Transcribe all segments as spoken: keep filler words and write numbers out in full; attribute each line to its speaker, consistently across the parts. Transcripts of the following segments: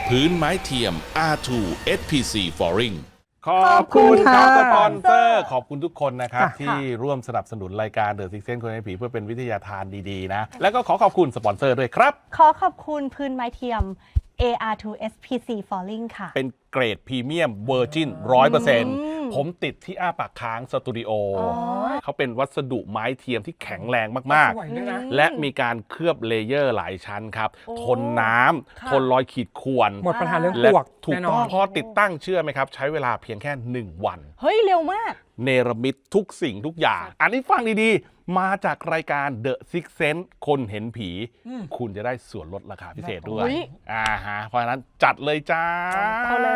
Speaker 1: พื้นไม้เทียม อาร์ ทู เอส พี ซี Flooring
Speaker 2: ขอบคุณครับสปอนเซอร์
Speaker 3: ค่ะ
Speaker 2: ขอบคุณทุกคนนะครับ
Speaker 3: ค่ะ
Speaker 2: ที่ร่วมสนับสนุนรายการ The Six Sense คนให้ผีเพื่อเป็นวิทยาทานดีๆนะ แล้วก็ขอขอบคุณสปอนเซอร์ด้วยครับ
Speaker 3: ขอขอบคุณพื้นไม้เทียม เอ อาร์ ทู เอส พี ซี Falling ค่ะ
Speaker 2: เป็นเกรดพรีเมียมเวอร์จินร้อยเปอร์เซ็นต์ผมติดที่อ้าปากค้างสตูดิโอเขาเป็นวัสดุไม้เทียมที่แข็งแรงมาก
Speaker 4: สวยด้วยนะ
Speaker 2: ๆ และมีการเคลือบเลเยอร์หลายชั้นครับ
Speaker 3: โอ้
Speaker 2: ทนน้ำ
Speaker 3: ค่ะ
Speaker 2: ทนรอยขีดข่วน
Speaker 4: หมดปัญหาเรื่องป
Speaker 2: และ
Speaker 4: ลวก
Speaker 2: ถูก
Speaker 4: แน่น
Speaker 2: ต้
Speaker 4: อ
Speaker 2: อง
Speaker 4: น
Speaker 2: พอติดตั้งเชื่อไหมครับ ใช้เวลาเพียงแค่หนึ่งวัน
Speaker 3: เฮ้ย เร็วมาก
Speaker 2: เนรมิตทุกสิ่งทุกอย่าง อันนี้ฟังดีๆ มาจากรายการ The Six Sense คนเห็นผี คุณจะได้ส่วนลดราคาพิเศษด้วย
Speaker 3: อุ๊ย
Speaker 2: อ่าฮะ เพราะฉะนั้นจัดเลยจ้า
Speaker 3: เข้าเลย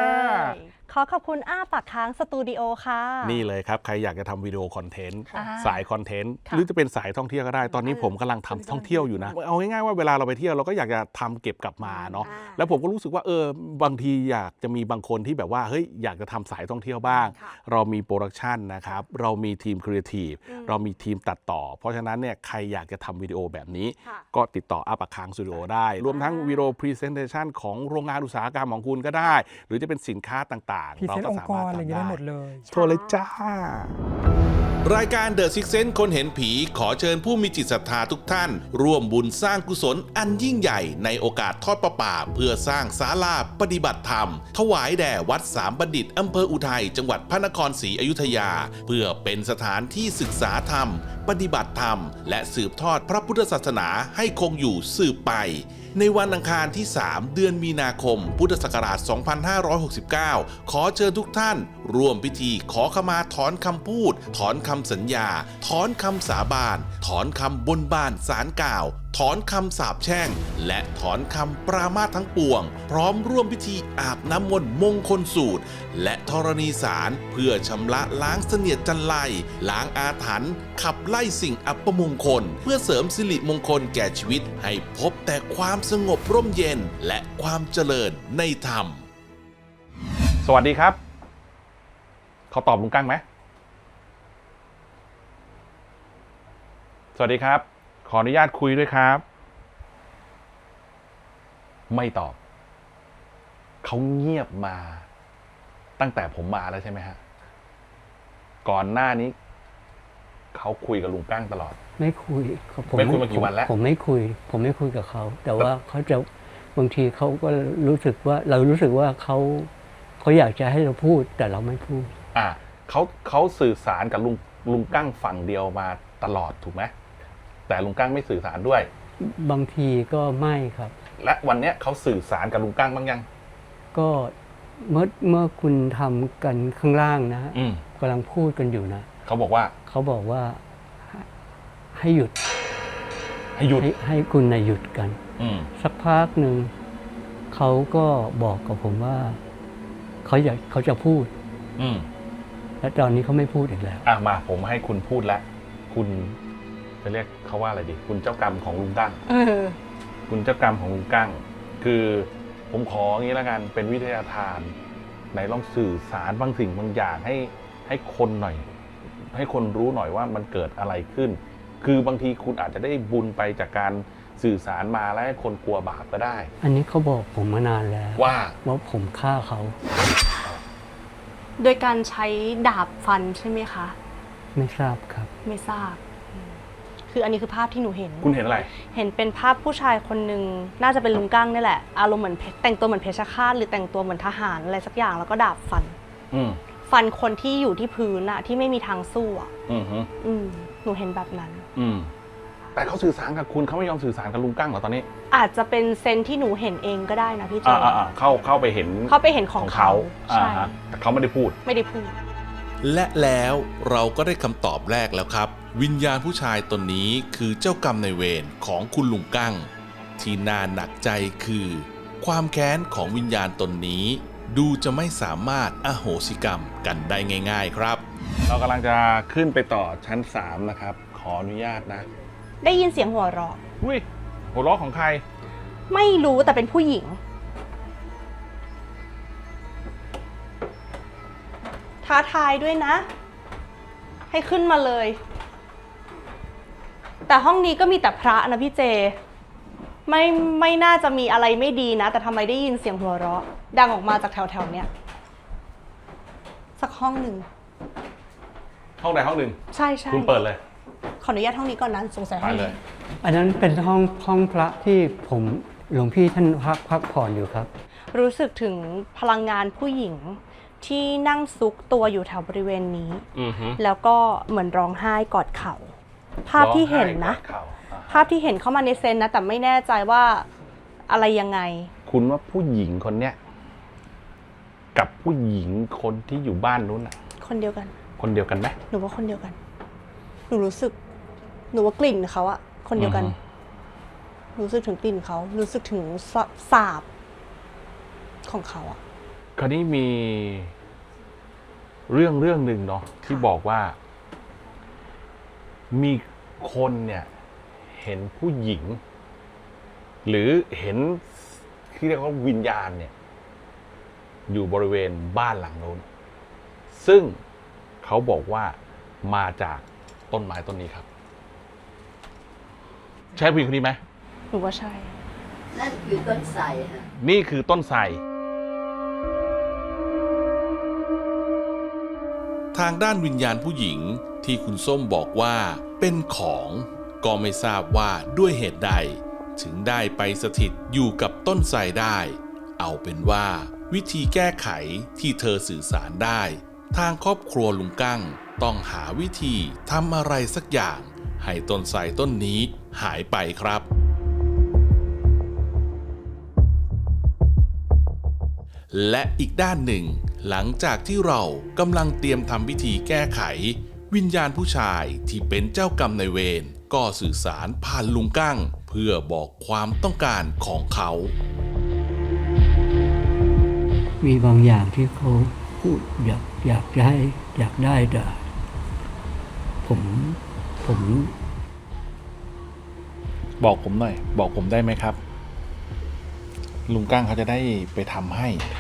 Speaker 3: ขอขอบคุณอ้าปากค้างสตูดิโอค่ะ
Speaker 2: นี่เลยครับ ใครอยากจะทำวิดีโอคอนเทนต์
Speaker 3: อ่า
Speaker 2: สายคอนเทนต์
Speaker 3: ค่ะ
Speaker 2: หรือจะเป็นสายท่องเที่ยวก็ได้ ตอนนี้ผมกำลังทำท่องเที่ยวอยู่นะ เอาง่ายๆว่าเวลาเราไปเที่ยวเราก็อยากจะทำเก็บกลับมาเนาะ แล้วผมก็รู้สึกว่าเออบางทีอยากจะมีบางคนที่แบบว่าเฮ้ยอยากจะทำสายท่องเที่ยวบ้าง
Speaker 3: ค่ะ
Speaker 2: เรามีโปรดักชันนะครับ เรามีทีมครีเอทีฟ
Speaker 3: อืม
Speaker 2: เรามีทีมตัดต่อ เพราะฉะนั้นเนี่ยใครอยากจะทำวิดีโอแบบนี้
Speaker 3: ค่ะ
Speaker 2: ก็ติดต่ออาปากค้างสตูดิโอได้ รวมทั้งวิดีโอพรีเซนเทชันของโรงงานอุตสาหกรรมของคุณก็ได้ หรือจะเป็นสินค้าต่าง
Speaker 4: พรี
Speaker 2: ๆ เรา
Speaker 4: เซนต์
Speaker 2: ก็
Speaker 4: อง
Speaker 2: สา
Speaker 4: ค์ก
Speaker 2: มารถ
Speaker 4: รอะไรอย่าง
Speaker 2: ทำ
Speaker 4: เงี้ย
Speaker 2: ได้
Speaker 4: ได้หมดเลย
Speaker 2: โทรเลยจ้า
Speaker 1: รายการ The Six Sense คนเห็นผีขอเชิญผู้มีจิตศรัทธาทุกท่าน ร่วมบุญสร้างกุศลอันยิ่งใหญ่ในโอกาสทอดประป่าเพื่อสร้างศาลาปฏิบัติธรรม ถวายแด่วัดสามบัณฑิตอำเภออุทัยจังหวัดพระนครศรีอยุธยา เพื่อเป็นสถานที่ศึกษาธรรม ปฏิบัติธรรม และสืบทอดพระพุทธศาสนาให้คงอยู่สืบไป ในวันอังคารที่ สาม เดือนมีนาคม พุทธศักราช สองพันห้าร้อยหกสิบเก้า ขอเชิญทุกท่าน ร่วมพิธีขอขมาถอนคำพูด ถอนคำสัญญา ถอนคำสาบาน ถอนคำบนบานสารกล่าว ถอนคำสาปแช่ง และถอนคำปรามาสทั้งปวง พร้อมร่วมพิธีอาบน้ำมนต์มงคลสูตร และธรณีสารเพื่อชำระล้างเสนียดจันไรล้างอาถรรพ์ขับไล่สิ่งอัปมงคล เพื่อเสริมสิริมงคลแก่ชีวิตให้พบแต่ความสงบร่มเย็นและความเจริญในธรรม
Speaker 2: สวัสดีครับ เขาตอบลุงกั้งไหม สวัสดีครับ ขออนุญาตคุยด้วยครับ ไม่ตอบ เขาเงียบมา ตั้งแต่ผมมาแล้วใช่ไหมฮะ ก่อนหน้านี้ เขาคุยกับลุงกั้งตลอด
Speaker 5: ไม่คุยผม
Speaker 2: ไม่คุยมากี่วันแล้ว
Speaker 5: ผมไม่คุย ผมไม่คุยกับเขา แต่ว่าเขาจะบางทีเขาก็รู้สึกว่า เรารู้สึกว่าเขาเขาอยากจะให้เราพูด แต่เราไม่พูด
Speaker 2: อ่าเขาเขาสื่อสารกับลุงลุงกั้งฝั่งเดียวมาตลอดถูกไหมแต่ลุงกั้งไม่สื่อสารด้วย
Speaker 5: บางทีก็ไม่ครับ
Speaker 2: และวันเนี้ยเขาสื่อสารกับลุงกั้งบ้างยัง
Speaker 5: ก็เมื่อเมื่อคุณทำกันข้างล่างนะ
Speaker 2: อืม
Speaker 5: กำลังพูดกันอยู่นะ
Speaker 2: เขาบอกว่า
Speaker 5: เขาบอกว่าให้หยุด
Speaker 2: ให้หยุด
Speaker 5: ให้ให้คุณนะหยุดกัน
Speaker 2: อืม
Speaker 5: สักพักหนึ่งเขาก็บอกกับผมว่าเขาอยากเขาจะพูด
Speaker 2: อืม
Speaker 5: และตอนนี้เขาไม่พูดอีกแล้ว
Speaker 2: อ่ะมาผมให้คุณพูดแล้ว คุณจะเรียกเขาว่าอะไรดี คุณเจ้ากรรมของลุงกั้ง
Speaker 3: เออ
Speaker 2: คุณเจ้ากรรมของลุงกั้ง คือผมขออย่างนี้แล้วกันเป็นวิทยาทานไหนลองสื่อสารบางสิ่งบางอย่างให้ให้คนหน่อย ให้คนรู้หน่อยว่ามันเกิดอะไรขึ้น คือบางทีคุณอาจจะได้บุญไปจากการสื่อสารมาแล้วให้คนกลัวบาปก็ได้
Speaker 5: อันนี้เขาบอกผมมานานแล้ว
Speaker 2: ว่า
Speaker 5: ว่าผมฆ่าเขา
Speaker 3: โดยการใช้ดาบฟันใช่ไหมคะ
Speaker 5: ไม่ทราบครับ
Speaker 3: ไม่ทราบอืมคืออันนี้คือภาพที่หนูเห็น
Speaker 2: คุณเห็นอะไร
Speaker 3: เห็นเป็นภาพผู้ชายคนหนึ่งน่าจะเป็นลุงกั้งนี่แหละ อารมณ์เหมือนเพแต่งตัวเหมือนเพชฌฆาตหรือแต่งตัวเหมือนทหารอะไรสักอย่างแล้วก็ดาบฟัน
Speaker 2: อืม
Speaker 3: ฟันคนที่อยู่ที่พื้นอะที่ไม่มีทางสู้อะ
Speaker 2: อืมฮึ
Speaker 3: อืมหนูเห็นแบบนั้น
Speaker 2: อืม แต่เขาสื่อสารกับคุณเขาไม่ยอมสื่อสารกับลุงกั้งเหรอตอนนี้
Speaker 3: อาจจะเป็นเซนส์ที่หนูเห็นเองก็ได้นะพี่เจ
Speaker 2: อ่าอ่าเข้าเข้าไปเห็น
Speaker 3: เขาไปเห็นของเขา
Speaker 2: อ่า
Speaker 3: ใช่
Speaker 2: ฮะแต่เขาไม่ได้พูด
Speaker 3: ไม่ได้พูด
Speaker 1: และแล้วเราก็ได้คำตอบแรกแล้วครับ วิญญาณผู้ชายตนนี้คือเจ้ากรรมนายเวรของคุณลุงกั้ง ที่น่าหนักใจคือ ความแค้นของวิญญาณตนนี้ ดูจะไม่สามารถอโหสิกรรมกันได้ง่ายๆครับ
Speaker 2: เรากำลังจะขึ้นไปต่อชั้นสามนะครับ ขออนุญาตนะ
Speaker 3: ได้ยินเสียงหัวเราะ
Speaker 2: อุ้ยหัวเราะของใคร
Speaker 3: ไม่รู้แต่เป็นผู้หญิง ท้าทายด้วยนะ ให้ขึ้นมาเลย แต่ห้องนี้ก็มีแต่พระนะพี่เจไม่ไม่น่าจะมีอะไรไม่ดีนะ แต่ทำไมได้ยินเสียงหัวเราะ ดังออกมาจากแถวๆเนี้ยสักห้องหนึ่ง
Speaker 2: ห้องใดห้องหนึ่ง
Speaker 3: ใช่ใช่
Speaker 2: คุณเปิดเลย
Speaker 3: ขออนุญาตห้องนี้ก่อนนะสงสัย
Speaker 2: ไป
Speaker 3: ห้อง
Speaker 2: เล
Speaker 3: นี้
Speaker 2: ย
Speaker 5: อันนั้นเป็นห้องห้องพระที่ผมหลวงพี่ท่านพักพักผ่อนอยู่ครับ
Speaker 3: รู้สึกถึงพลังงานผู้หญิงที่นั่งซุกตัวอยู่แถวบริเวณนี้
Speaker 2: อือฮึ
Speaker 3: แล้วก็เหมือนร้องไห้กอดเข่า ภาพที่เห็นนะ
Speaker 2: ร้องไห้กอดเข่าอ่า
Speaker 3: ภาพที่เห็นเข้ามาในเซนนะ แต่ไม่แน่ใจว่าอะไรยังไง
Speaker 2: คุณว่าผู้หญิงคนเนี้ยกับผู้หญิงคนที่อยู่บ้านนู้นน่ะ
Speaker 3: คนเดียวกัน
Speaker 2: คนเดียวกันไหม
Speaker 3: หนูว่าคนเดียวกัน หนูรู้สึก หนูว่ากลิ่นเขาอะคนเดียวกัน
Speaker 2: อือฮึ
Speaker 3: รู้สึกถึงกลิ่นเขา รู้สึกถึงสสาบของเขาอะ
Speaker 2: คราวนี้มีเรื่องเรื่องหนึ่งเนาะที่บอกว่า มีคนเนี่ยเห็นผู้หญิง หรือเห็นที่เรียกว่าวิญญาณเนี่ย อยู่บริเวณบ้านหลังโน้น ซึ่งเขาบอกว่ามาจากต้นไม้ต้นนี้ครับ ใช่ผู้หญิงคนนี้ไหม
Speaker 3: หนูว่าใช่
Speaker 4: นั่นคือต้นไทรค่ะ
Speaker 2: นี่คือต้นไทร
Speaker 1: ทางด้านวิญญาณผู้หญิงที่คุณส้มบอกว่าเป็นของก็ไม่ทราบว่าด้วยเหตุใด ถึงได้ไปสถิตอยู่กับต้นไทรได้ เอาเป็นว่าวิธีแก้ไขที่เธอสื่อสารได้ ทางครอบครัวลุงกั้งต้องหาวิธีทำอะไรสักอย่าง ให้ต้นไทรต้นนี้หายไปครับ และอีกด้านหนึ่ง หลังจากที่เรากำลังเตรียมทำพิธีแก้ไข วิญญาณผู้ชายที่เป็นเจ้ากรรมนายเวรก็สื่อสารผ่านลุงกั้ง เพื่อบอกความต้องการของเขา
Speaker 5: มีบางอย่างที่เขาพูดอยากอยากได้อยากได้แต่ผมผม
Speaker 2: บอกผมหน่อย บอกผมได้ไหมครับ ลุงกั้งเขาจะได้ไปทำให้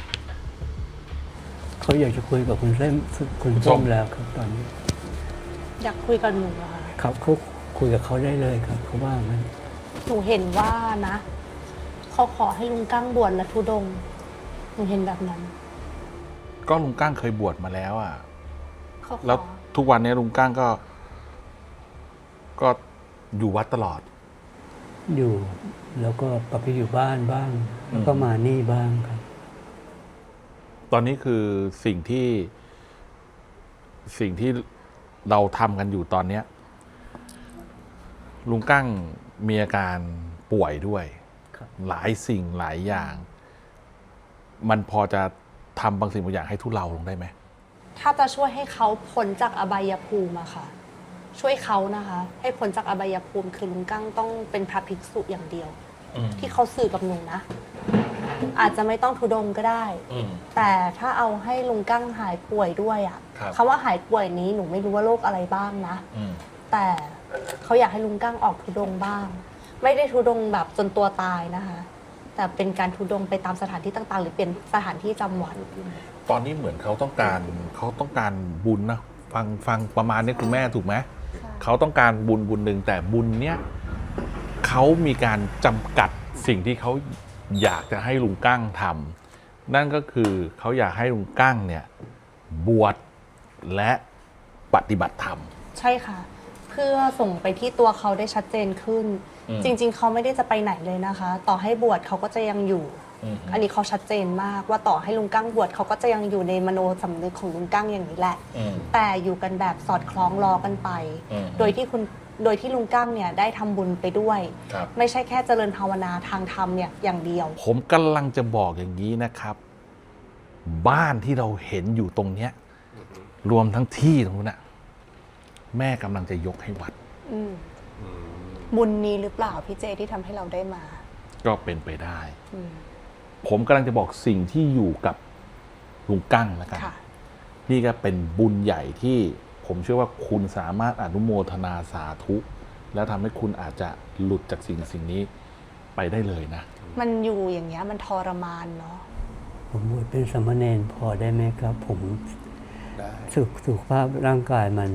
Speaker 5: เขาอยากจะคุยกับคุณเส้นคุณ
Speaker 2: คุณส้
Speaker 5: ส้
Speaker 2: ม
Speaker 5: มแล้วครับตอนนี้
Speaker 3: อยากคุยกับหนูอะค่ะ
Speaker 5: ครับเขาคุยกับเขาได้เลยครับเขาว่างั้น
Speaker 3: หนูเห็นว่านะเขาขอให้ลุงกั้งบวชและทุดงค์หนูเห็นแบบนั้น
Speaker 2: ก็ลุงกั้งเคยบวชมาแล้วอ่ะ
Speaker 3: เขาขอ
Speaker 2: แล้วทุกวันนี้ลุงกั้งก็ ก็อยู่วัดตลอด
Speaker 5: อยู่ แล้วก็กลับไปอยู่บ้านบ้าง แล้วก็มานี่บ้างครับ
Speaker 2: ตอนนี้คือสิ่งที่ สิ่งที่เราทำกันอยู่ตอนเนี้ย ลุงกั้งมีอาการป่วยด้วย
Speaker 5: ครับ
Speaker 2: หลายสิ่งหลายอย่าง มันพอจะทำบางสิ่งบางอย่างให้ทุเลาลงได้ไหม
Speaker 3: ถ้าจะช่วยให้เขาพ้นจากอบายภูมิอะค่ะ ช่วยเขานะคะ ให้พ้นจากอบายภูมิคือลุงกั้งต้องเป็นพระภิกษุอย่างเดียว ที่เขาสื่อกับหนูนะ อาจจะไม่ต้องทุดงค์ก็ได้ แต่ถ้าเอาให้ลุงกั้งหายป่วยด้วยอะ
Speaker 2: ครับ
Speaker 3: คำว่าหายป่วยนี้หนูไม่รู้ว่าโรคอะไรบ้างนะ แต่เขาอยากให้ลุงกั้งออกทุดงค์บ้าง ไม่ได้ทุดงค์แบบจนตัวตายนะคะ แต่เป็นการทุดงค์ไปตามสถานที่ต่างๆ หรือเป็นสถานที่จำวัด
Speaker 2: ตอนนี้เหมือนเขาต้องการเขาต้องการบุญนะฟังฟังประมาณนี้คุณแม่ถูกไหมเขาต้องการบุญบุญหนึ่งแต่บุญเนี้ยเขามีการจำกัดสิ่งที่เขาอยากจะให้ลุงกั้งทำนั่นก็คือเขาอยากให้ลุงกั้งเนี่ยบวชและปฏิบัติธรรม
Speaker 3: ใช่ค่ะ เพื่อส่งไปที่ตัวเขาได้ชัดเจนขึ้น
Speaker 2: อืม
Speaker 3: จริง ๆ เขาไม่ได้จะไปไหนเลยนะคะ ต่อให้บวชเขาก็จะยังอยู่ อันนี้เขาชัดเจนมากว่าต่อให้ลุงกั้งบวชเขาก็จะยังอยู่ในมโนสำนึกของลุงกั้งอย่างนี้แหละ แต่อยู่กันแบบสอดคล้องรอกันไป
Speaker 2: อืม
Speaker 3: โดยที่คุณโดยที่ลุงกั้งเนี่ยได้ทำบุญไปด้วย
Speaker 2: ครับ
Speaker 3: ไม่ใช่แค่เจริญภาวนาทางธรรมเนี่ยอย่างเดียว
Speaker 2: ผมกำลังจะบอกอย่างนี้นะครับ บ้านที่เราเห็นอยู่ตรงเนี้ย รวมทั้งที่ตรงนู้นน่ะแม่กำลังจะยกให้วัด
Speaker 3: อืมบุญนี้หรือเปล่าพี่เจที่ทำให้เราได้มา
Speaker 2: ก็เป็นไปได้
Speaker 3: อืม
Speaker 2: ผมกำลังจะบอกสิ่งที่อยู่กับลุงกั้งแล้วกัน
Speaker 3: ค่ะ
Speaker 2: นี่ก็เป็นบุญใหญ่ที่ผมเชื่อว่าคุณสามารถอนุโมทนาสาธุ แล้วทำให้คุณอาจจะหลุดจากสิ่งสิ่งนี้ไปได้เลยนะ
Speaker 3: มันอยู่อย่างเงี้ยมันทรมานเนาะ
Speaker 5: ผมบวชเป็นสามเณรพอได้ไหมครับ ผมสุขสุขภาพร่างกายมัน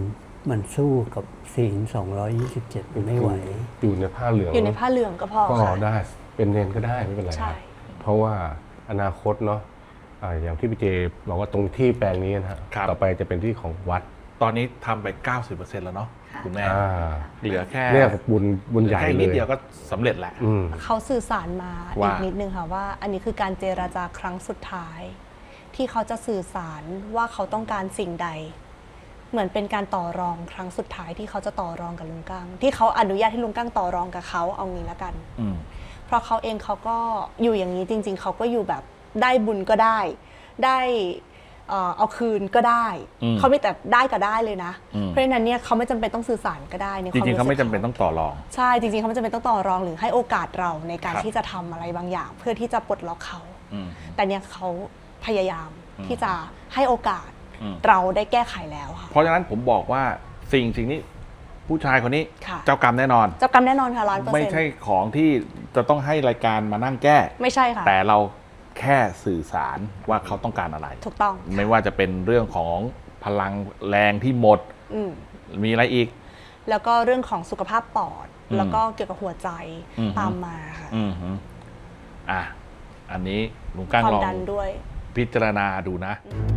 Speaker 5: มันสู้กับศีลสองร้อยยี่สิบเจ็ดไม่ไหว
Speaker 6: อยู่ในผ้าเหลือง
Speaker 3: อยู่ในผ้าเหลืองก็พอ
Speaker 6: ก็
Speaker 3: ค่ะ
Speaker 6: ได้เป็นเนนก็ได้ไม่เป็นไร
Speaker 3: ใช่
Speaker 6: ครับเพราะว่าอนาคตเนาะอ่าอย่างที่พี่เจบอกว่าตรงที่แปลงนี้นะฮะ
Speaker 2: ครับ
Speaker 6: ต่อไปจะเป็นที่ของวัด
Speaker 2: ตอนนี้ทำไป เก้าสิบเปอร์เซ็นต์ แล้วเนาะคุณแม่
Speaker 6: อ่า
Speaker 2: เหลือแค่
Speaker 6: เนี่ยบุญบุญใหญ่
Speaker 2: แค่
Speaker 6: เล
Speaker 2: นิด
Speaker 6: ย
Speaker 2: เดียวก็สำเร็จแหละ
Speaker 6: อืม
Speaker 3: เขาสื่อสารมา
Speaker 2: ว่า
Speaker 3: อีกนิดนึงค่ะว่า อันนี้คือการเจราจาครั้งสุดท้าย ที่เขาจะสื่อสารว่าเขาต้องการสิ่งใด เหมือนเป็นการต่อรองครั้งสุดท้ายที่เขาจะต่อรองกับลุงกั้งที่เขาอนุญาตให้ลุงกั้งต่อรองกับเขาเอางี้ละกัน
Speaker 2: อืม
Speaker 3: เพราะเขาเองเขาก็อยู่อย่างนี้จริง ๆ เขาก็อยู่แบบได้บุญก็ได้ ได้เอ่อเอาคืนก็ได้
Speaker 2: อืม
Speaker 3: เขาไม่แต่ได้ก็ได้เลยนะ
Speaker 2: อืม
Speaker 3: เพราะฉะนั้นเนี่ยเขาไม่จำเป็นต้องสื่อสารก็ได้ในค
Speaker 2: จ
Speaker 3: วาม
Speaker 2: ริงๆเขาไม่
Speaker 3: สึก
Speaker 2: จำเป็นต้องต่อรอง
Speaker 3: ใช่จริงๆเขาไม่จำเป็นต้องต่อรองหรือให้โอกาสเราในการ
Speaker 2: ครับ
Speaker 3: ที่จะทำอะไรบางอย่าง เพื่อที่จะปลดล็อกเขา
Speaker 2: อืม
Speaker 3: แต่เนี่ยเขาพยายาม
Speaker 2: อืม
Speaker 3: ที่จะให้โอกาส
Speaker 2: อืม
Speaker 3: เราได้แก้ไขแล้วค่ะ
Speaker 2: เพราะฉะนั้นผมบอกว่าสิ่งสิ่งนี้ผู้ชายคนนี้
Speaker 3: ค่ะ
Speaker 2: เจ้ากรรมแน่นอน
Speaker 3: เจ้ากรรมแน่นอนค่ะร้อยเปอร์
Speaker 2: ไม่
Speaker 3: เซ็นต์
Speaker 2: ใช่ของที่จะต้องให้รายการมานั่งแก้
Speaker 3: ไม่ใช่ค่ะ
Speaker 2: แต่เราแค่สื่อสารว่าเขาต้องการอะไร
Speaker 3: ถูกต้อง
Speaker 2: ไม่ว่าจะเป็นเรื่องของพลังแรงที่หมด
Speaker 3: อืม
Speaker 2: มีอะไรอีก
Speaker 3: แล้วก็เรื่องของสุขภาพปอด
Speaker 2: อืม
Speaker 3: แล้วก็เกี่ยวกับหัวใจ
Speaker 2: อืม
Speaker 3: ตามมาค่ะ
Speaker 2: อืมฮึอ่ะ อันนี้ลุงกั้ง
Speaker 3: ความ
Speaker 2: ลอง
Speaker 3: ดันด้วย
Speaker 2: พิจารณาดูนะ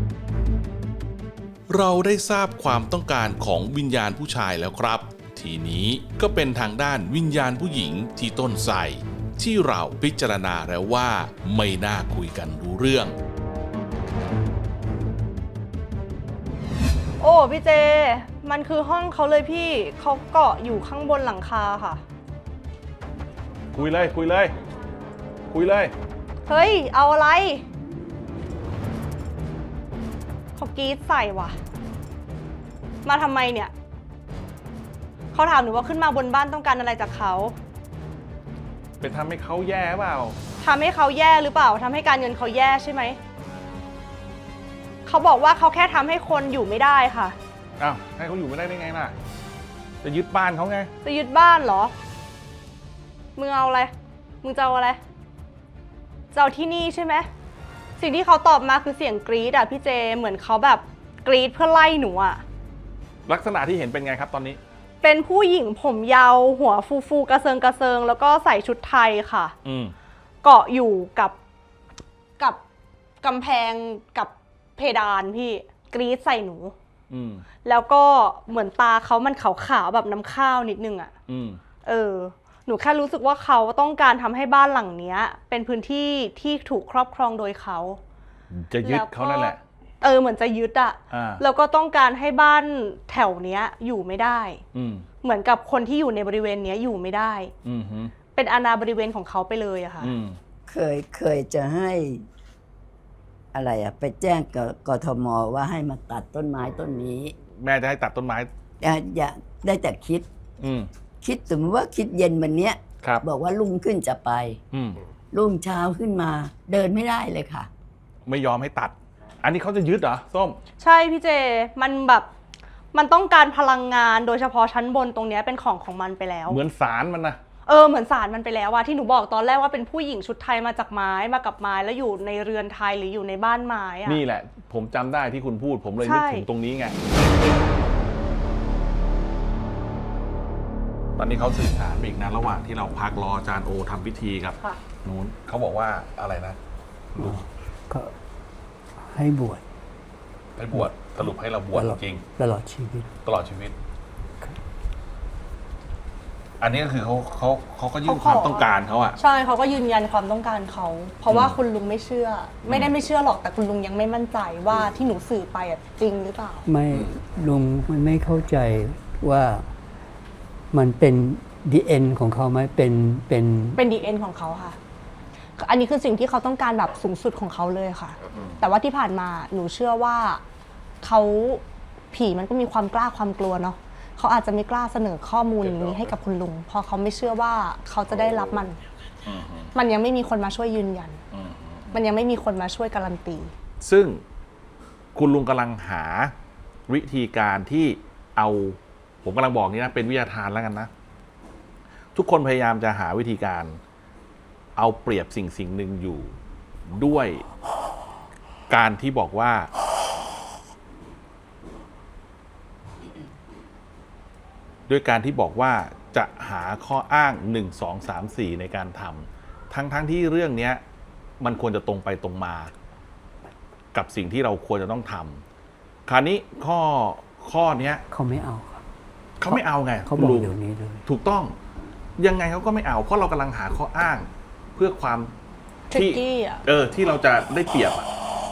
Speaker 1: เราได้ทราบความต้องการของวิญญาณผู้ชายแล้วครับ ทีนี้ก็เป็นทางด้านวิญญาณผู้หญิงที่ต้นไทรที่เราพิจารณาแล้วว่าไม่น่าคุยกันรู้เรื่อง
Speaker 3: โอ้พี่เจ มันคือห้องเขาเลยพี่เขาเกาะอยู่ข้างบนหลังคาค่ะ
Speaker 2: คุยเลย คุยเลย คุยเลย
Speaker 3: เฮ้ย เอาอะไรเขากรีดใส่ว่ะ มาทำไมเนี่ย เขาถามหนูว่าขึ้นมาบนบ้านต้องการอะไรจากเขา
Speaker 2: เป็นทำให้เขาแย่เปล่า
Speaker 3: ทำให้เขาแย่หรือเปล่าทำให้การเงินเขาแย่ใช่ไหม เขาบอกว่าเขาแค่ทำให้คนอยู่ไม่ได้ค่ะ
Speaker 2: อ้าว ให้เขาอยู่ไม่ได้ได้ไงล่ะ จะยึดบ้านเขาไง
Speaker 3: จะยึดบ้านเหรอ มึงเอาอะไร มึงจะเอาอะไรจะเอาที่นี่ใช่ไหม สิ่งที่เขาตอบมาคือเสียงกรี๊ดอะพี่เจ เหมือนเขาแบบกรี๊ดเพื่อไล่หนูอะ
Speaker 2: ลักษณะที่เห็นเป็นไงครับตอนนี้
Speaker 3: เป็นผู้หญิงผมยาวหัวฟูฟูกระเซิงกระเซิง แล้วก็ใส่ชุดไทยค่ะ
Speaker 2: อืม
Speaker 3: เกาะอยู่กับกับกำแพงกับเพดานพี่กรี๊ดใส่หนู
Speaker 2: อืม
Speaker 3: แล้วก็เหมือนตาเขามันขาวๆแบบน้ำข้าวนิดนึงอะ
Speaker 2: อืม
Speaker 3: เออ หนูแค่รู้สึกว่าเขาต้องการทำให้บ้านหลังเนี้ย เป็นพื้นที่ที่ถูกครอบครองโดยเขา
Speaker 2: จะยึดเขานั่นแหละ
Speaker 3: เออเหมือนจะยึดอะ
Speaker 2: อ่า
Speaker 3: แล้วก็ต้องการให้บ้านแถวเนี้ยอยู่ไม่ได้
Speaker 2: อืม
Speaker 3: เหมือนกับคนที่อยู่ในบริเวณเนี้ยอยู่ไม่ได้
Speaker 2: อืมฮึ
Speaker 3: เป็นอาณาบริเวณของเขาไปเลยอะค่ะ
Speaker 2: อืม
Speaker 4: เคยเคยจะให้อะไรอะไปแจ้งกับกทมว่าให้มาตัดต้นไม้ต้นนี้
Speaker 2: แม่จะให้ตัดต้นไม้
Speaker 4: อย่าอย่าได้แต่คิด
Speaker 2: อืม
Speaker 4: คิดสมมติว่าคิดเย็นวันเนี้ย
Speaker 2: ครับ
Speaker 4: บอกว่ารุ่งขึ้นจะไป
Speaker 2: อืม
Speaker 4: รุ่งเช้าขึ้นมา เดินไม่ได้เลยค่ะ
Speaker 2: ไม่ยอมให้ตัด อันนี้เขาจะยึดเหรอ ส้ม
Speaker 3: ใช่พี่เจ มันแบบมันต้องการพลังงานโดยเฉพาะชั้นบนตรงเนี้ยเป็นของของมันไปแล้ว
Speaker 2: เหมือนสารมันนะ
Speaker 3: เออเหมือนสารมันไปแล้วอะที่หนูบอกตอนแรกว่าเป็นผู้หญิงชุดไทยมาจากไม้มากับไม้แล้วอยู่ในเรือนไทยหรืออยู่ในบ้านไม้อะ
Speaker 2: นี่แหละ ผมจำได้ที่คุณพูด ผมเลย
Speaker 3: ใช่
Speaker 2: นึกถึงตรงนี้ไง ตอนนี้เขาสื่อสารไปอีกนะระหว่างที่เราพักรออาจารย์โอทำพิธีกับ
Speaker 3: ค่ะ
Speaker 2: นู้นเขาบอกว่าอะไรนะ
Speaker 5: ก็ให้บวช
Speaker 2: ให้บวชสรุปให้เราบวช
Speaker 5: ตลอด
Speaker 2: จริง
Speaker 5: ตลอดชีวิต
Speaker 2: ตลอดชีวิต อันนี้ก็คือเขาเขาเขาก็ยื่นความต้องการเขาอะ
Speaker 3: ใช่เขาก็ยืนยันความต้องการเขา เพราะว่าคุณลุงไม่เชื่อ ไม่ได้ไม่เชื่อหรอกแต่คุณลุงยังไม่มั่นใจว่าที่หนูสื่อไปอะจริงหรือเปล่า
Speaker 5: ไม่ลุงมันไม่เข้าใจว่ามันเป็นดีเอ็นของเขาไหมเป็นเป็น
Speaker 3: เป็น ดี เอ็น ของเขาค่ะ อันนี้คือสิ่งที่เขาต้องการแบบสูงสุดของเขาเลยค่ะ แต่ว่าที่ผ่านมาหนูเชื่อว่าเขาผีมันก็มีความกล้าความกลัวเนาะเขาอาจจะไม่กล้าเสนอข้อมูลอย่างนี้ให้กับคุณลุงเพราะเขาไม่เชื่อว่าเขาจะได้รับมัน มันยังไม่มีคนมาช่วยยืนยัน มันยังไม่มีคนมาช่วยการันตี
Speaker 2: ซึ่งคุณลุงกำลังหาวิธีการที่เอา ผมกำลังบอกนี้นะเป็นวิทยาทานแล้วกันนะ ทุกคนพยายามจะหาวิธีการ เอาเปรียบสิ่งสิ่งหนึ่งอยู่ด้วยการที่บอกว่าด้วยการที่บอกว่าจะหาข้ออ้างหนึ่ง สอง สาม สี่ในการทำทั้งทั้งที่เรื่องเนี้ยมันควรจะตรงไปตรงมา กับสิ่งที่เราควรจะต้องทำคราวนี้ข้อข้อเนี้ย
Speaker 5: เขาไม่เอาครับ
Speaker 2: เขาไม่เอาไง
Speaker 5: เขาบอก
Speaker 2: ลุง
Speaker 5: เดี๋ยวนี้เลย
Speaker 2: ถูกต้องยังไงเขาก็ไม่เอา เพราะเรากำลังหาข้ออ้าง เพื่อความ
Speaker 3: ทริก
Speaker 2: ที่
Speaker 3: กี้อ่ะ
Speaker 2: เออที่เราจะได้เปรียบอ่ะ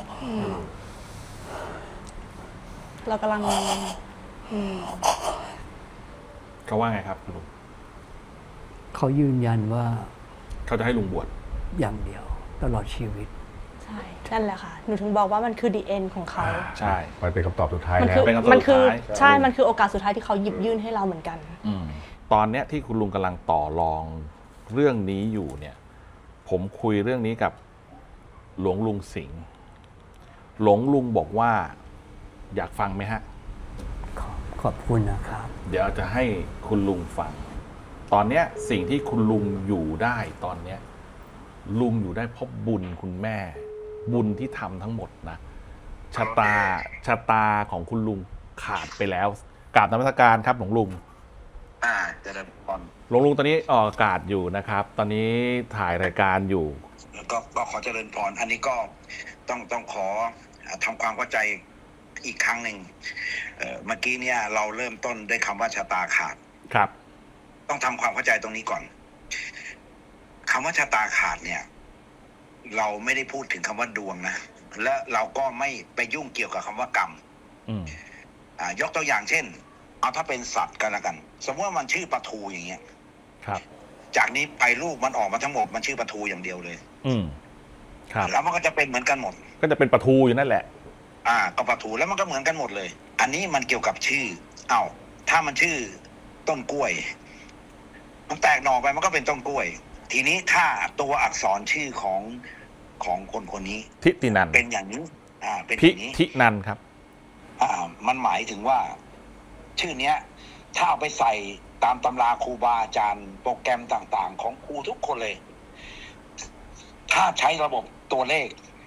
Speaker 3: เรากำลังอืม
Speaker 2: เขาว่าไงครับลุง
Speaker 5: เขายืนยันว่า
Speaker 2: เขาจะให้ลุงบวช
Speaker 5: อย่างเดียวตลอดชีวิต
Speaker 3: ใช่ นั่นแหละค่ะ หนูถึงบอกว่ามันคือ the end ของเขา
Speaker 2: ใช่
Speaker 6: มันเป็นคำตอบสุดท้าย
Speaker 3: มัน
Speaker 6: แล้
Speaker 3: คือ
Speaker 6: ว
Speaker 2: เป็นคำตอบ
Speaker 3: มันคือ
Speaker 2: สุดท้าย
Speaker 3: ใช่ มันคือโอกาสสุดท้ายที่เขาหยิบยื่นให้เราเหมือนกัน
Speaker 2: อืมตอนเนี้ยที่คุณลุงกำลังต่อรองเรื่องนี้อยู่เนี่ย ผมคุยเรื่องนี้กับหลวงลุงสิงห์หลวงลุงบอกว่า อยากฟังไหมฮะ
Speaker 5: ขอบขอบคุณนะครับ
Speaker 2: เดี๋ยวจะให้คุณลุงฟัง ตอนเนี้ยสิ่งที่คุณลุงอยู่ได้ตอนเนี้ยลุงอยู่ได้เพราะบุญคุณแม่ บุญที่ทำทั้งหมดนะชะตาชะตาของคุณลุงขาดไปแล้วกราบนมัสการครับหลวงลุง
Speaker 7: อ่าเจะได้ก่อน
Speaker 2: หลวงลุงตอนนี้ออกอากาศอยู่นะครับ ตอนนี้ถ่ายรายการอยู่
Speaker 7: แล้วก็ก็ขอเจริญพร อันนี้ก็ต้องต้องขอทำความเข้าใจอีกครั้งหนึ่งเอ่อเมื่อกี้เนี่ยเราเริ่มต้นด้วยคำว่าชะตาขาด
Speaker 2: ครับ
Speaker 7: ต้องทำความเข้าใจตรงนี้ก่อนคำว่าชะตาขาดเนี่ย เราไม่ได้พูดถึงคำว่าดวงนะและเราก็ไม่ไปยุ่งเกี่ยวกับคำว่ากรรม
Speaker 2: อืม
Speaker 7: อ่ายกตัวอย่างเช่น เอาถ้าเป็นสัตว์กันละกัน สมมติว่ามันชื่อปลาทูอย่างเงี้ย
Speaker 2: ครับ
Speaker 7: จากนี้ไปลูกมันออกมาทั้งหมดมันชื่อปลาทูอย่างเดียวเลย
Speaker 2: อืมครับ
Speaker 7: แล้วมันก็จะเป็นเหมือนกันหมด
Speaker 2: ก็จะเป็นปลาทูอยู่นั่นแหละ
Speaker 7: อ่าก็ปลาทูแล้วมันก็เหมือนกันหมดเลย อันนี้มันเกี่ยวกับชื่อ เอ้าถ้ามันชื่อต้นกล้วย มันแตกหน่อไปมันก็เป็นต้นกล้วย ทีนี้ถ้าตัวอักษรชื่อของของคนคนนี้
Speaker 2: ทิตินัน
Speaker 7: เป็นอย่างนี้ อ่า เป็นอ
Speaker 2: พิ
Speaker 7: ย่างนี้
Speaker 2: ทินันครับ
Speaker 7: อ่า มันหมายถึงว่า ชื่อเนี้ย ถ้าเอาไปใส่ตามตำราครูบาอาจารย์โปรแกรมต่างๆ ของครูทุกคนเลย ถ้าใช้ระบบตัวเลข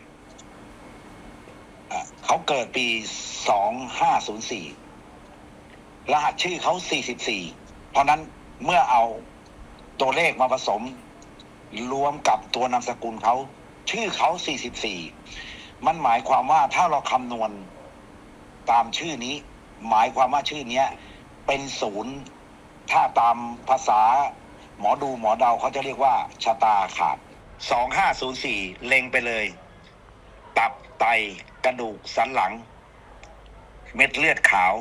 Speaker 7: อ่าเขาเกิดปีสองห้าศูนย์สี่รหัสชื่อเขาสี่สิบสี่เพราะนั้นเมื่อเอาตัวเลขมาผสม รวมกับตัวนามสกุลเขาชื่อเขาสี่สิบสี่มันหมายความว่าถ้าเราคำนวณตามชื่อนี้ หมายความว่าชื่อเนี้ย เป็นศูนย์ถ้าตามภาษาหมอดูหมอเดาเขาจะเรียกว่าชะตาขาดสองห้าศูนย์สี่เล็งไปเลย ตับไตกระดูกสันหลัง เม็ดเลือดขาว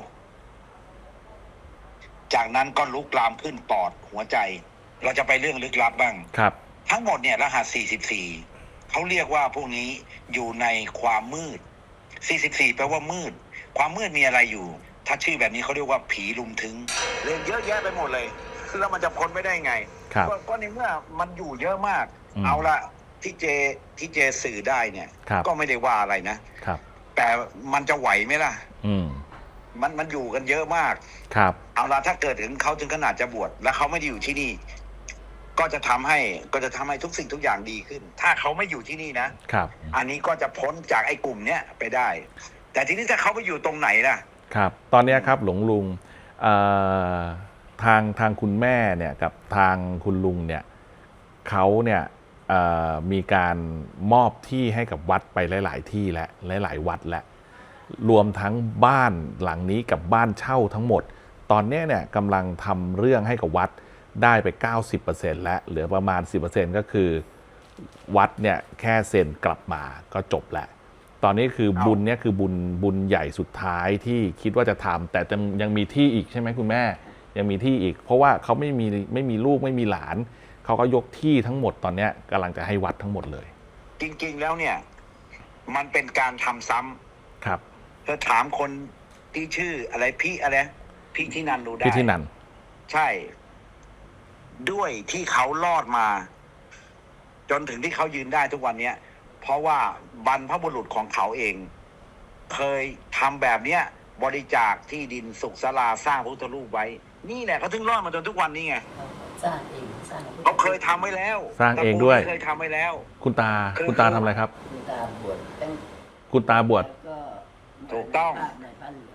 Speaker 7: จากนั้นก็ลุกลามขึ้นปอดหัวใจ เราจะไปเรื่องลึกลับบ้าง
Speaker 2: ครับ
Speaker 7: ทั้งหมดเนี่ยรหัสสี่สิบสี่เขาเรียกว่าพวกนี้อยู่ในความมืดสี่สิบสี่แปลว่ามืด ความมืดมีอะไรอยู่ ถ้าชื่อแบบนี้เขาเรียกว่าผีลุมถึงเรื่องเยอะแยะไปหมดเลยแล้วมันจะพ้นไม่ได้ไง
Speaker 2: ครับ
Speaker 7: ก็ก็ในเมื่อมันอยู่เยอะมาก
Speaker 2: อืม
Speaker 7: เอาละที่เจที่เจสื่อได้เนี่ย
Speaker 2: ครับ
Speaker 7: ก็ไม่ได้ว่าอะไรนะ
Speaker 2: ครับ
Speaker 7: แต่มันจะไหวไหมล่ะ
Speaker 2: อืม
Speaker 7: มันมันอยู่กันเยอะมาก
Speaker 2: ครับ
Speaker 7: เอาละถ้าเกิดถึงเขาถึงขนาดจะบวชแล้วเขาไม่ได้อยู่ที่นี่ ก็จะทำให้ก็จะทำให้ทุกสิ่งทุกอย่างดีขึ้น ถ้าเขาไม่อยู่ที่นี่นะครับ อันนี้ก็จะพ้นจากไอ้กลุ่มเนี้ยไปได้ แต่ทีนี้ถ้าเขาไปอยู่ตรงไหนล่ะ
Speaker 2: ครับ ตอนเนี้ยครับหลวงลุงเอ่อทางทางคุณแม่เนี่ยกับทางคุณลุงเนี่ยเขาเนี่ยเอ่อมีการมอบที่ให้กับวัดไปหลาย ๆ ที่และหลาย ๆ วัดและรวมทั้งบ้านหลังนี้กับบ้านเช่าทั้งหมด ตอนเนี้ยเนี่ยกำลังทำเรื่องให้กับวัดได้ไป เก้าสิบเปอร์เซ็นต์ แล้วเหลือประมาณ สิบเปอร์เซ็นต์ ก็คือวัดเนี่ยแค่เซ็นกลับมาก็จบแล้ว ตอนนี้คือ
Speaker 7: เอา
Speaker 2: บุญเนี่ยคือบุญบุญใหญ่สุดท้ายที่คิดว่าจะทำแต่ยังยังมีที่อีกใช่ไหมคุณแม่ ยังมีที่อีก เพราะว่าเขาไม่มีไม่มีลูกไม่มีหลาน เขาก็ยกที่ทั้งหมดตอนเนี้ยกำลังจะให้วัดทั้งหมดเลย
Speaker 7: จริง ๆ แล้วเนี่ย มันเป็นการทำซ้ำ
Speaker 2: ครับ
Speaker 7: เธอถามคนที่ชื่ออะไรพี่อะไรพี่ที่นันดูได้
Speaker 2: พี่ที่นัน
Speaker 7: ใช่ ด้วยที่เขารอดมา จนถึงที่เขายืนได้ทุกวันเนี้ย เพราะว่าบรรพบุรุษของเขาเอง เคยทำแบบเนี้ย บริจาคที่ดินสุขศาลาสร้างพระพุทธรูปไว้ นี่แหละเขาถึงรอดมาจนทุกวันนี้ไง
Speaker 4: สร้างเองสร้าง
Speaker 7: เขาเคยทำไว้แล้ว
Speaker 2: สร้างเองด้วย
Speaker 7: ตระกูลเคยทำไว้แล้ว
Speaker 2: คุณตา
Speaker 7: คือ
Speaker 2: คุณตาทำอะไรครับ
Speaker 4: คุณตาบวชตั้ง
Speaker 2: คุณตาบวช
Speaker 4: ก็
Speaker 7: ถูกต้อง
Speaker 4: ในผ้าเหลือง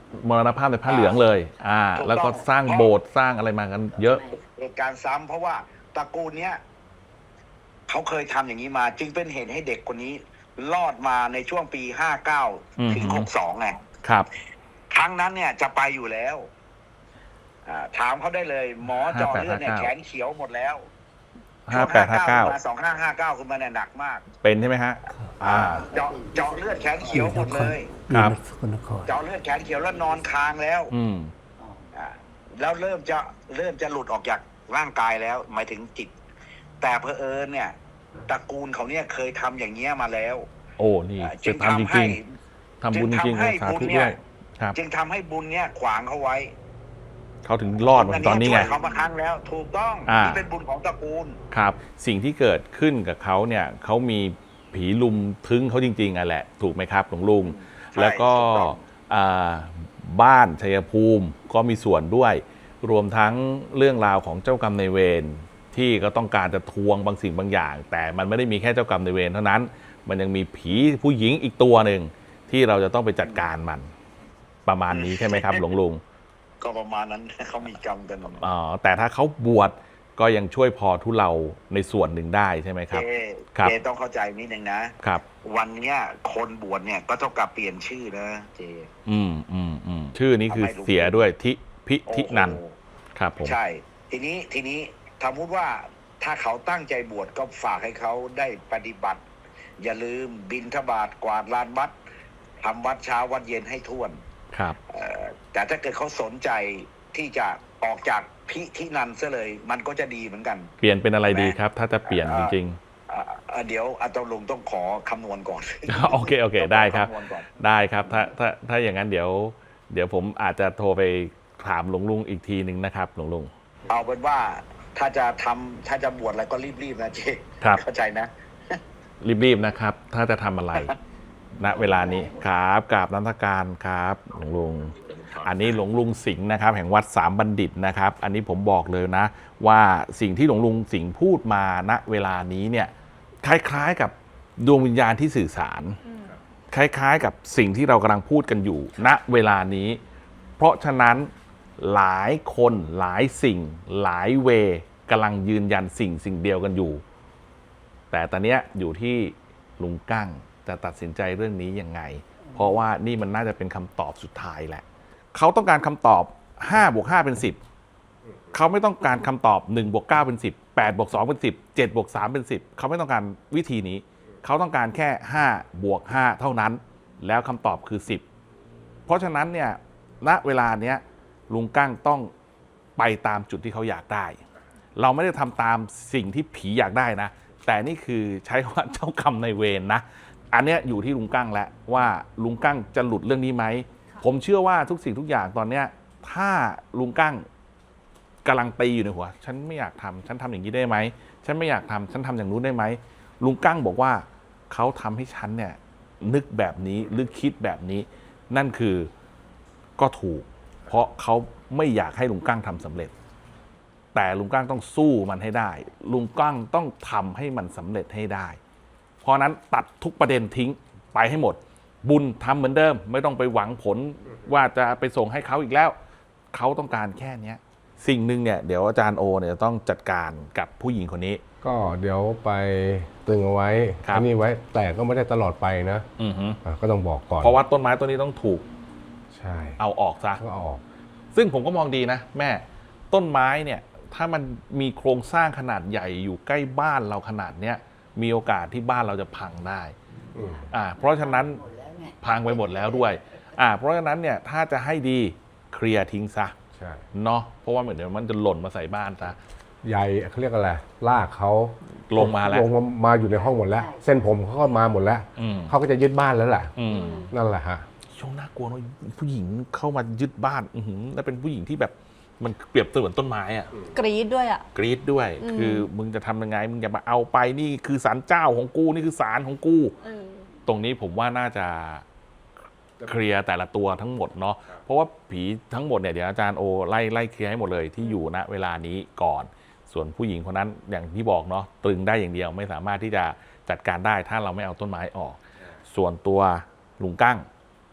Speaker 2: มรณภาพในผ้าเหลืองเลย อ่า
Speaker 7: ถูกต้อง
Speaker 2: แล้วก็สร้างโบสถ์สร้างอะไรมากันเยอะ
Speaker 7: เหตุการณ์ซ้ำเพราะว่าตระกูลเนี้ยเขาเคยทำอย่างนี้มา จึงเป็นเหตุให้เด็กคนนี้รอดมาในช่วงปีห้าเก้า
Speaker 2: อืม
Speaker 7: ถึงหกสองไง
Speaker 2: ครับ
Speaker 7: ครั้งนั้นเนี่ยจะไปอยู่แล้วอ่าถามเขาได้เลย หมอเจาะเลือดเนี่ย
Speaker 2: ห้าแปดห้าเก้า
Speaker 7: แขนเขียวหมดแล้ว
Speaker 2: ห้าแปดห้าเก้า
Speaker 7: สองห้าห้าเก้าขึ้นมาเนี่ยหนักมาก
Speaker 2: เป็นใช่ไหมฮะ อ่า
Speaker 7: เจาะเจาะเลือดแขนเขียวหมดเลย
Speaker 2: ครับ
Speaker 5: สกลนคร
Speaker 7: เจาะเลือดแขนเขียวแล้วนอนคางแล้ว
Speaker 2: อืม
Speaker 7: อ่าแล้วเริ่มจะเริ่มจะหลุดออกจากร่างกายแล้ว หมายถึงจิต แต่เพอเอิญเนี่ยตระกูลเขาเนี่ยเคยทำอย่างเงี้ยมาแล้ว
Speaker 2: โอ้ นี่
Speaker 7: อ่า
Speaker 2: จะทำจ
Speaker 7: ให้
Speaker 2: ริงๆทำบุญจริง
Speaker 7: จึงทำให้
Speaker 2: ๆสา
Speaker 7: บุญ
Speaker 2: ธุ
Speaker 7: เนี่
Speaker 2: ด้วย ย ครับ
Speaker 7: จึงทำให้บุญเนี่ยขวางเขาไว้
Speaker 2: เขาถึงรอดมาถึงตอนนี้ไง
Speaker 7: ช่วยเขามาครั้งแล้ว ถูกต้อง
Speaker 2: อ่า
Speaker 7: นี่เป็นบุญของตระกูล
Speaker 2: ครับ สิ่งที่เกิดขึ้นกับเขาเนี่ยเขามีผีลุมทึ้งเขาจริงๆอ่ะแหละ ถูกไหมครับหลวงลุง
Speaker 7: ใช่
Speaker 2: แล้วก็
Speaker 7: ถูกต้อง
Speaker 2: อ่าบ้านชัยภูมิก็มีส่วนด้วย รวมทั้งเรื่องราวของเจ้ากรรมนายเวรที่ก็ต้องการจะทวงบางสิ่งบางอย่าง แต่มันไม่ได้มีแค่เจ้ากรรมนายเวรเท่านั้น มันยังมีผีผู้หญิงอีกตัวหนึ่งที่เราจะต้องไปจัดการมัน ประมาณนี้ใช่ไหมครับหลวงลุง
Speaker 7: ก็ประมาณนั้น เขามีกรรมกัน
Speaker 2: อ๋อแต่ถ้าเขาบวชก็ยังช่วยพอทุเลาในส่วนหนึ่งได้ใช่ไหมครับ
Speaker 7: เจ
Speaker 2: ครับ
Speaker 7: เจต้องเข้าใจนิดนึงนะ
Speaker 2: ครับ
Speaker 7: วันเนี้ยคนบวชเนี่ยก็ต้องกลับเปลี่ยนชื่อนะเจ
Speaker 2: อืมอืมอืมชื่อนี้คือ
Speaker 7: ทำไมลุง
Speaker 2: เสียด้วยทิพิทินัน
Speaker 7: โอ้โห
Speaker 2: ครับผม
Speaker 7: ใช่ ทีนี้ทีนี้สมมติว่าถ้าเขาตั้งใจบวชก็ฝากให้เขาได้ปฏิบัติ อย่าลืมบิณฑบาตกวาดลานวัดทำวัดเช้าวัดเย็นให้ท่วน
Speaker 2: ครับ
Speaker 7: เอ่อแต่ถ้าเกิดเขาสนใจที่จะออกจากพิธินันซะเลย มันก็จะดีเหมือนกัน
Speaker 2: เปลี่ยนเป็นอะไรดีครับ ถ้าจะเปลี่ยนจริง
Speaker 7: เอ่อเอ่อเดี๋ยวอาตลุงต้องขอคำนวณก่อน
Speaker 2: ๆ โอเคโอเคได้ครับ
Speaker 7: ต้องขอำนวณก่อน
Speaker 2: ได้ครับถ้าถ้าถ้าอย่างนั้นเดี๋ยว เดี๋ยวผมอาจจะโทรไปถามหลวงลุงอีกทีหนึ่งนะครับหลวงลุง
Speaker 7: เอาเป็นว่าถ้าจะทำถ้าจะบวชอะไรก็รีบๆนะเจ๊
Speaker 2: ครับ
Speaker 7: เข้าใจนะ
Speaker 2: รีบๆนะครับ ถ้าจะทำอะไร ณเวลานี้ครับกราบนันทการครับหลวงลุง อันนี้หลวงลุงสิงห์นะครับ แห่งวัดสามบัณฑิตนะครับ อันนี้ผมบอกเลยนะ ว่าสิ่งที่หลวงลุงสิงห์พูดมาณเวลานี้เนี่ยคล้ายๆกับดวงวิญญาณที่สื่อสาร คล้ายๆกับสิ่งที่เรากำลังพูดกันอยู่ ณเวลานี้ เพราะฉะนั้นหลายคนหลายสิ่งหลายเวกำลังยืนยันสิ่งสิ่งเดียวกันอยู่ แต่ตอนเนี้ยอยู่ที่ลุงกั้งจะตัดสินใจเรื่องนี้ยังไง เพราะว่านี่มันน่าจะเป็นคำตอบสุดท้ายแหละ เขาต้องการคำตอบห้าบวกห้าเป็นสิบ เขาไม่ต้องการคำตอบหนึ่งบวกเก้าเป็นสิบ แปดบวกสองเป็นสิบ เจ็ดบวกสามเป็นสิบ เขาไม่ต้องการวิธีนี้ เขาต้องการแค่ห้าบวกห้าเท่านั้น แล้วคำตอบคือสิบ เพราะฉะนั้นเนี่ย ณ เวลาเนี้ยลุงกั้งต้องไปตามจุดที่เขาอยากได้ เราไม่ได้ทำตามสิ่งที่ผีอยากได้นะ แต่นี่คือใช้ว่าเจ้ากรรมนายเวรนะ อันเนี้ยอยู่ที่ลุงกั้งแล้วว่าลุงกั้งจะหลุดเรื่องนี้ไหม ผมเชื่อว่าทุกสิ่งทุกอย่างตอนเนี้ยถ้าลุงกั้งกำลังตีอยู่ในหัว ฉันไม่อยากทำฉันทำอย่างนี้ได้ไหม ฉันไม่อยากทำฉันทำอย่างนู้นได้ไหม ลุงกั้งบอกว่าเขาทำให้ฉันเนี่ยนึกแบบนี้หรือคิดแบบนี้ นั่นคือก็ถูก เพราะเขาไม่อยากให้ลุงกั้งทำสำเร็จ แต่ลุงกั้งต้องสู้มันให้ได้ ลุงกั้งต้องทำให้มันสำเร็จให้ได้ เพราะนั้นตัดทุกประเด็นทิ้งไปให้หมด บุญทำเหมือนเดิม ไม่ต้องไปหวังผลว่าจะไปส่งให้เขาอีกแล้ว เขาต้องการแค่เนี้ยสิ่งหนึ่งเนี่ยเดี๋ยวอาจารย์โอเนี่ยต้องจัดการกับผู้หญิงคนนี้
Speaker 6: ก็เดี๋ยวไปตึงเอาไว้
Speaker 2: ครับ
Speaker 6: ที่นี่ไว้ แต่ก็ไม่ได้ตลอดไปนะ
Speaker 2: อือฮึ
Speaker 6: อ่ะก็ต้องบอกก่อน
Speaker 2: เพราะว่าต้นไม้ต้นนี้ต้องถูก
Speaker 6: ใช่
Speaker 2: เอาออกซะ
Speaker 6: ก็เอาออก
Speaker 2: ซึ่งผมก็มองดีนะแม่ต้นไม้เนี่ยถ้ามันมีโครงสร้างขนาดใหญ่อยู่ใกล้บ้านเราขนาดเนี้ยมีโอกาสที่บ้านเราจะพังได้
Speaker 6: อืม
Speaker 2: อ่าเพราะฉะนั้นพังไปหมดแล้วด้วยอ่าเพราะฉะนั้นเนี่ยถ้าจะให้ดีเคลียร์ทิ้งซะ
Speaker 6: ใช่
Speaker 2: เนาะเพราะว่าเหมือนเดี๋ยวมันจะหล่นมาใส่บ้านซะ
Speaker 6: ใยเขาเรียกอะไรลากเขา
Speaker 2: ลงมาแล้ว
Speaker 6: ลงมามาอยู่ในห้องหมดแล้ว เส้นผมเขาก็มาหมดแล้ว
Speaker 2: อืม
Speaker 6: เขาก็จะยึดบ้านแล้วแหละ
Speaker 2: อืม
Speaker 6: นั่นแหละฮะ
Speaker 2: ช่วงน่ากลัวเนอะผู้หญิงเข้ามายึดบ้านอือหือแล้วเป็นผู้หญิงที่แบบมันเปรียบเสมือนต้นไม้อะ
Speaker 3: กรี๊ดด้วยอ่ะ
Speaker 2: กรีดด้วย
Speaker 3: อืม
Speaker 2: คือมึงจะทำยังไง มึงอย่ามาเอาไปนี่คือศาลเจ้าของกู นี่คือศาลของกู
Speaker 3: เออ
Speaker 2: ตรงนี้ผมว่าน่าจะเคลียร์แต่ละตัวทั้งหมดเนาะ เพราะว่าผีทั้งหมดเนี่ยเดี๋ยวอาจารย์โอไล่ไล่เคลียร์ให้หมดเลยที่อยู่ณเวลานี้ก่อน ส่วนผู้หญิงคนนั้นอย่างที่บอกเนาะตรึงได้อย่างเดียวไม่สามารถที่จะจัดการได้ถ้าเราไม่เอาต้นไม้ออก ส่วนตัวลุงกั้ง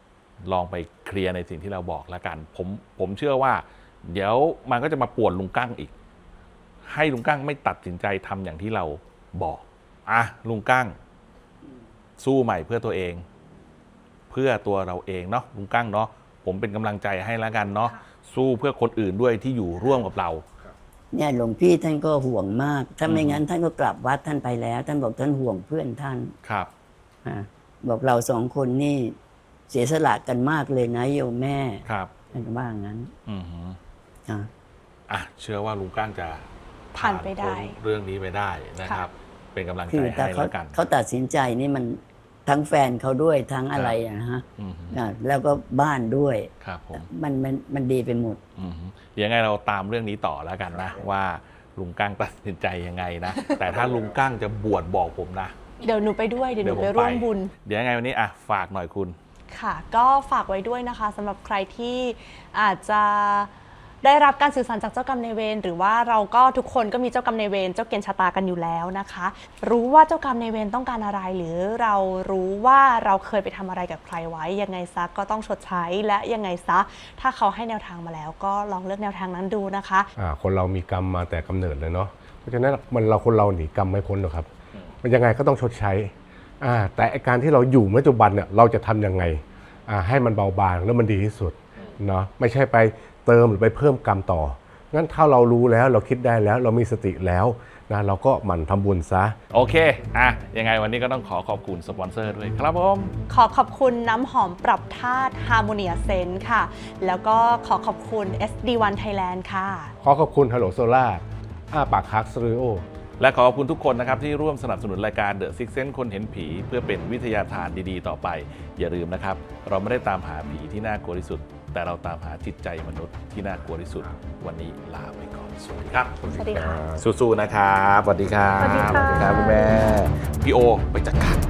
Speaker 2: ลองไปเคลียร์ในสิ่งที่เราบอกแล้วกัน ผมผมเชื่อว่า เดี๋ยวมันก็จะมาป่วนลุงกั้งอีก ให้ลุงกั้งไม่ตัดสินใจทำอย่างที่เราบอกอ่ะลุงกั้งสู้ใหม่เพื่อตัวเอง เพื่อตัวเราเองเนาะลุงกั้งเนาะผมเป็นกำลังใจให้แล้วกันเนาะสู้เพื่อคนอื่นด้วยที่อยู่ร่วมกับเรา
Speaker 4: เนี่ยหลวงพี่ท่านก็ห่วงมาก ถ้าไม่งั้นท่านก็กลับวัดท่านไปแล้ว ท่านบอกท่านห่วงเพื่อนท่าน
Speaker 2: ครับ
Speaker 4: อ่ะบอกเราสองคนนี่เสียสละกันมากเลยนะโยมแม่
Speaker 2: ครับ
Speaker 4: ท่านก็ว่างั้น
Speaker 2: อือหือ
Speaker 4: อ่ะ
Speaker 2: อ่ะเชื่อว่าลุงกั้งจะ
Speaker 3: ผ่านไปได้
Speaker 2: พ้นเรื่องนี้ไปได้นะครับ เป็นกำลัง
Speaker 4: คื
Speaker 2: ใจ
Speaker 4: อแต่
Speaker 2: ให้
Speaker 4: เขา
Speaker 2: แล้วกัน
Speaker 4: เขาตัดสินใจนี่มันทั้งแฟนเขาด้วยทั้งอะไรอะนะฮะ
Speaker 2: อือหือ
Speaker 4: อ่ะแล้วก็บ้านด้วย
Speaker 2: ครับผม
Speaker 4: มันมันมันดีไปหมด
Speaker 2: อือหือเดี๋ยวยังไงเราตามเรื่องนี้ต่อแล้วกันนะ ว่าลุงกั้งตัดสินใจยังไงนะ แต่ถ้าลุงกั้งจะบวชบอกผมนะ
Speaker 3: เดี๋ยวหนูไปด้วยเดี๋ยวหนู
Speaker 2: ผม
Speaker 3: ไปร่วมบุญ
Speaker 2: เดี๋ยวยังไงวันนี้อ่ะฝากหน่อยคุณ
Speaker 3: ค่ะ ก็ฝากไว้ด้วยนะคะสำหรับใครที่อาจจะได้รับการสื่อสารจากเจ้ากรรมนายเวรหรือว่าเราก็ทุกคนก็มีเจ้ากรรมนายเวรเจ้าเกณฑ์ชะตากันอยู่แล้วนะคะ รู้ว่าเจ้ากรรมนายเวรต้องการอะไร หรือเรารู้ว่าเราเคยไปทำอะไรกับใครไว้ยังไงซะก็ต้องชดใช้และยังไงซะถ้าเขาให้แนวทางมาแล้ว ก็ลองเลือกแนวทางนั้นดูนะคะ
Speaker 6: อ่าคนเรามีกรรมมาแต่กำเนิดเลยเนาะเพราะฉะนั้นมันเราคนเราหนีกรรมไม่พ้นหรอกครับ มันยังไงก็ต้องชดใช้อ่าแต่ไอ้การที่เราอยู่ปัจจุบันเนี่ยเราจะทำยังไงอ่าให้มันเบาบางแล้วมันดีที่สุดเนาะไม่ใช่ไปเติมหรือไปเพิ่มกรรมต่องั้นถ้าเรารู้แล้วเราคิดได้แล้วเรามีสติแล้วนะเราก็หมั่นทำบุญซะ
Speaker 2: โอเค อ่ะ ยังไงวันนี้ก็ต้องขอขอบคุณสปอนเซอร์ด้วยครับผม
Speaker 3: ขอขอบคุณน้ำหอมปรับธาตุ Harmonia Scent ค่ะ แล้วก็ขอขอบคุณ เอส ดี วัน Thailand ค่ะ
Speaker 6: ขอขอบคุณฮัลโหลโซล่าอ้าปากคักสตูดิโอ
Speaker 2: และขอขอบคุณทุกคนนะครับที่ร่วมสนับสนุนรายการ The Six Sense คนเห็นผี เพื่อเป็นวิทยาทานดีๆ ต่อไป อย่าลืมนะครับ เราไม่ได้ตามหาผีที่น่ากลัวที่สุด แต่เราตามหาจิตใจมนุษย์ที่น่ากลัวที่สุด วันนี้ลาไปก่อน สวัสดีครับ
Speaker 3: สวัสดีค่ะ
Speaker 2: สู้ๆนะครับ สวัสดีครับ
Speaker 3: สวัสดีค่ะ
Speaker 2: สวัสดีครับคุณแม่ พี่โอ ไปจัดการ